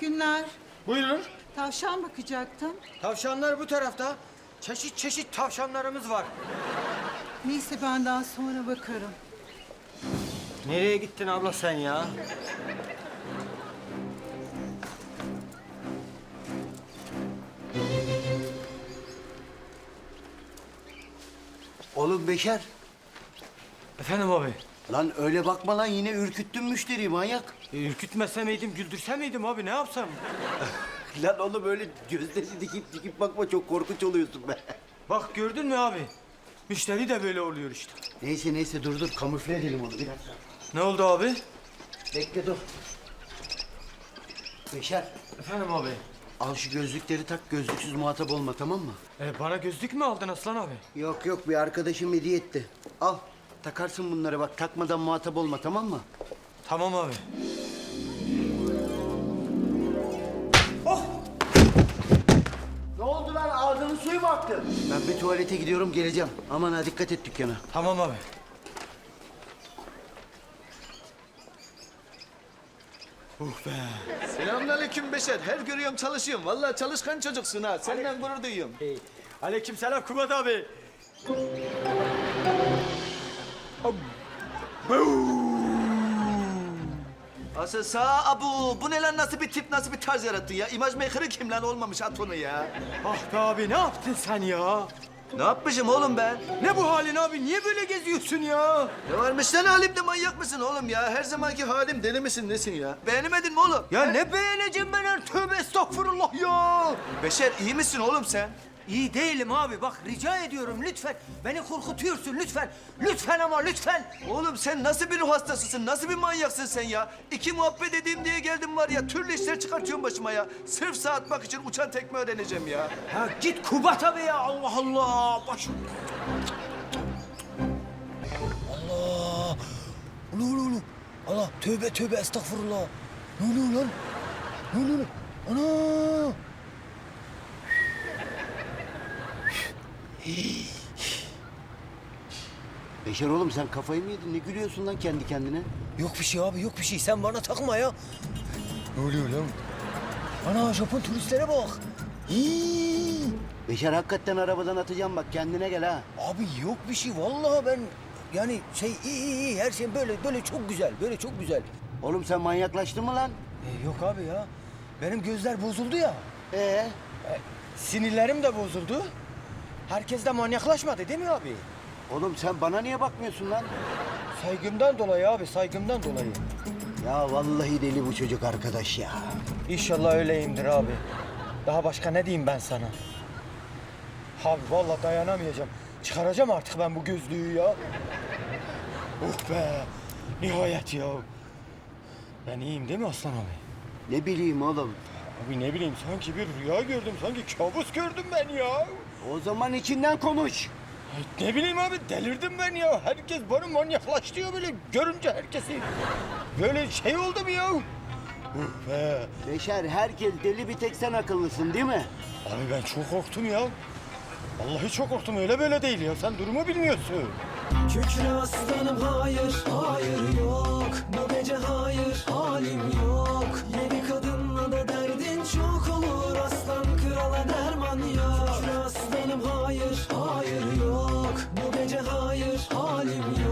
günler. Buyurun. Tavşan bakacaktım. Tavşanlar bu tarafta. Çeşit çeşit tavşanlarımız var. Neyse ben daha sonra bakarım. Nereye gittin abla sen ya? Oğlum Beşer, Efendim abi. lan öyle bakma lan yine ürküttün müşteriyi manyak. Ürkütmese miydim, güldürse miydim abi ne yapsam? Lan oğlum öyle gözleri dikip dikip bakma çok korkunç oluyorsun be. Bak gördün mü abi? Müşteri de böyle oluyor işte. Neyse dur kamufle edelim onu biraz. Ne oldu abi? Bekle dur. Beşer, Efendim abi. al şu gözlükleri tak gözlüksüz muhatap olma tamam mı? Bana gözlük mü aldın Aslan abi? Yok bir arkadaşım hediye etti. Al takarsın bunları bak takmadan muhatap olma tamam mı? Tamam abi. Ne oldu lan ağzının suyu mu aktı? Ben bir tuvalete gidiyorum geleceğim. Aman ha dikkat et dükkana. Tamam abi. Be. Selamünaleyküm Beşer. Her görüyorum çalışıyorum. Vallahi çalışkan çocuksun ha. Senden gurur duyuyorum. Aleykümselam Kubat abi. Asıl sağ abu. Bu ne lan nasıl bir tip nasıl bir tarz yarattın ya? İmaj maker'ı kim lan olmamış at onu ya. Ah be abi ne yaptın sen ya? Ne yapmışım oğlum ben? Ne bu halin abi? Niye böyle geziyorsun ya? Ne varmış lan halimde manyak mısın oğlum ya? Her zamanki halim deli misin nesin ya? Beğenemedin mi oğlum? Ya ne beğeneceğim ben her tövbe estağfurullah ya. Beşer iyi misin oğlum sen? İyi değilim abi bak rica ediyorum lütfen. Beni korkutuyorsun lütfen. Lütfen ama lütfen. Oğlum sen nasıl bir ruh hastasısın? Nasıl bir manyaksın sen ya? İki muhabbet edeyim diye geldim var ya. Türlü işler çıkartıyorum başıma ya. Sırf saat atmak için uçan tekme öğreneceğim ya. Ya git Kubat abi ya Allah Allah. Başım. Allah! Ne oluyor lan? Allah tövbe estağfurullah. Ne oluyor lan? Ne oluyor lan? Ana! Beşer oğlum sen kafayı mı yedin? Ne gülüyorsun lan kendi kendine? Yok bir şey abi yok bir şey. Sen bana takma ya. Ne oluyor lan? Ana Japon turistlere bak. Hii! Beşer hakikaten arabadan atacağım bak kendine gel ha. Abi yok bir şey vallahi ben yani iyi her şey böyle çok güzel böyle çok güzel. Oğlum sen manyaklaştın mı lan? Yok abi ya. Benim gözler bozuldu ya. Sinirlerim de bozuldu. Herkes de manyaklaşmadı değil mi abi? Oğlum sen bana niye bakmıyorsun lan? Saygımdan dolayı abi saygımdan dolayı. Ya vallahi deli bu çocuk arkadaş ya. İnşallah öyleyimdir abi. Daha başka ne diyeyim ben sana? Abi vallahi dayanamayacağım. Çıkaracağım artık ben bu gözlüğü ya. Oh be! Nihayet ya. Ben iyiyim değil mi Aslan abi? Ne bileyim oğlum. Abi ne bileyim sanki bir rüya gördüm. Sanki kabus gördüm ben ya. O zaman içinden konuş. Ay, ne bileyim abi delirdim ben ya. Herkes bana manyaklaştı böyle görünce herkesi. Böyle şey oldu mu ya? Oh be! Beşer herkes deli bir tek sen akıllısın değil mi? Abi ben çok korktum ya. Vallahi çok korktum öyle böyle değil ya. Sen durumu bilmiyorsun. Kükre aslanım hayır, hayır yok. Bu gece hayır, halim yok. Yeni kadınla da derdin çok olur. Aslan krala derman yok. Kükre aslanım hayır, hayır yok. Bu gece hayır, halim yok.